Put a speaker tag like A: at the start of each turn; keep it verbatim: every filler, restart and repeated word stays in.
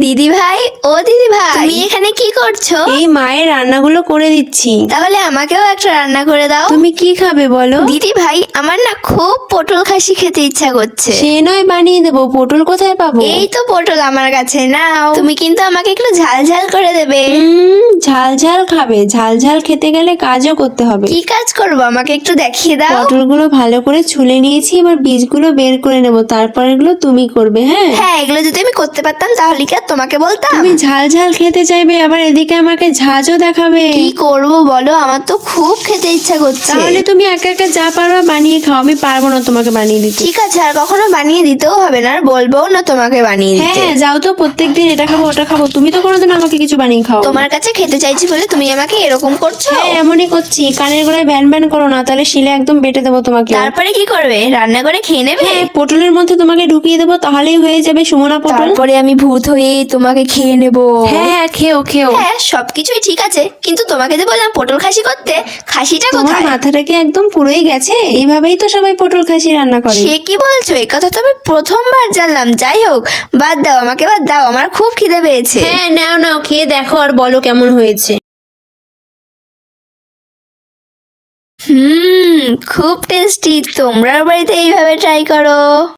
A: দিদি ভাই, ও দিদি ভাই, তুমি এখানে কি করছো?
B: এই মায়ের রান্নাগুলো করে দিচ্ছি।
A: তাহলে আমাকেও একটা রান্না করে দাও।
B: তুমি কি খাবে বলো?
A: দিদি ভাই, আমার না খুব পটল খাসি খেতে ইচ্ছা করছে।
B: সে নয় বানিয়ে দেবো, পটল কোথায় পাবো?
A: এই তো পটল আমার কাছে, নাও। তুমি কিন্তু আমাকে একটু ঝাল ঝাল করে দেবে।
B: উম, ঝাল ঝাল খাবে? ঝাল ঝাল খেতে গেলে কাজও করতে হবে।
A: কি কাজ করবো আমাকে একটু দেখিয়ে দাও।
B: পটলগুলো ভালো করে ছুলে নিয়েছি, এবার বীজগুলো বের করে নেবো, তারপর এগুলো তুমি করবে। হ্যাঁ
A: হ্যাঁ, এগুলো যদি আমি করতে পারতাম তাহলে কি আর তোমাকে বলতাম?
B: তুমি ঝাল ঝাল খেতে চাইবে, আবার এদিকে আমাকে ঝাঁঝও দেখাবে।
A: কি করবো বলো, আমার তো খুব খেতে ইচ্ছা করছে।
B: তাহলে তুমি একা একা যা পারবা বানিয়ে খাও, আমি পারবো না তোমাকে বানিয়ে দিতে।
A: ঠিক আছে, আর কখনো বানিয়ে দিতেও হবে না, আর বলবোও না তোমাকে বানিয়ে
B: হ্যাঁ
A: দিতে।
B: হ্যাঁ, যাও তো, প্রত্যেকদিন এটা খাবো ওটা খাবো, তুমি তো কোনোদিন আমাকে কিছু বানিয়ে খাও।
A: তোমার কাছে খেতে চাইছি বলে তুমি আমাকে এরকম করছো।
B: হ্যাঁ এমনই করছি, কানের গোড়ায় ব্যান ব্যান করো না, তাহলে শিলে একদম বেটে দেবো তোমাকে।
A: তারপরে কি করবে? রান্না করে খেয়ে নেবে?
B: হ্যাঁ, পটলের মধ্যে তোমাকে ঢুকিয়ে দেবো, তাহলেই হয়ে যাবে সুমনা পটল।
A: তারপরে আমি ভূত হয়ে তোমাকে খেয়ে নেব।
B: হ্যাঁ হ্যাঁ, খেও খেও।
A: হ্যাঁ, সবকিছুই ঠিক আছে, কিন্তু তোমাকে যে বললাম পটল খাসি করতে, খাসিটা
B: তোমার
A: কোথায়?
B: মাথাটা কি একদম পুরোই গেছে? এইভাবেই তো সবাই পটল খাসি রান্না করে।
A: সে কি বলছো? এই কথা তো আমি প্রথমবার জানলাম। যাই হোক, বাদ দাও, আমাকে বাদ দাও, আমার খুব খিদে পেয়েছে।
B: হ্যাঁ নাও নাও, খেয়ে দেখো আর বলো কেমন হয়েছে।
A: হুম, খুব টেস্টি। তোমরা বাড়িতে এইভাবে ট্রাই করো।